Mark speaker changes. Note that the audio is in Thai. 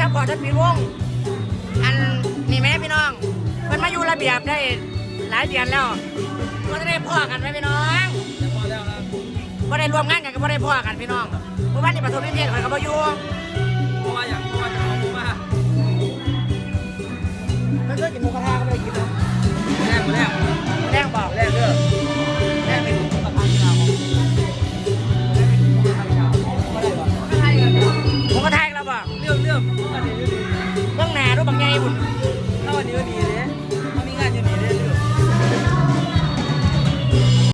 Speaker 1: พอท่านปีวงอันนี่แม่พี่น้องมันมาอยู่ระเบียบได้หลายเดือนแล้วก็จะได้พ่อกันไหมพี่น้อง
Speaker 2: พอแล้วนะ
Speaker 1: ก็ได้รวมงานกันก็ได้พ่อกันพี่น้องเมื่อวานนี้ปฐมนิเทศข่อยก็มาอยู่
Speaker 2: เพราะว่าอย่างเพราะว่าจะเอาผมว่า
Speaker 1: ไม่เคยกินหมูกระทะก็ไม่ได้กินนะ
Speaker 2: แรก
Speaker 1: บอก
Speaker 2: แรกเด้อ
Speaker 1: แรกเป็นหมูกระทะที่เราหมูกระทะเราบอก
Speaker 2: เรื่องอันนี้ก็ดี
Speaker 1: เบื้องหน้ารูปบางใหญ่บุญ
Speaker 2: ถ้าวันนี้ก็ดี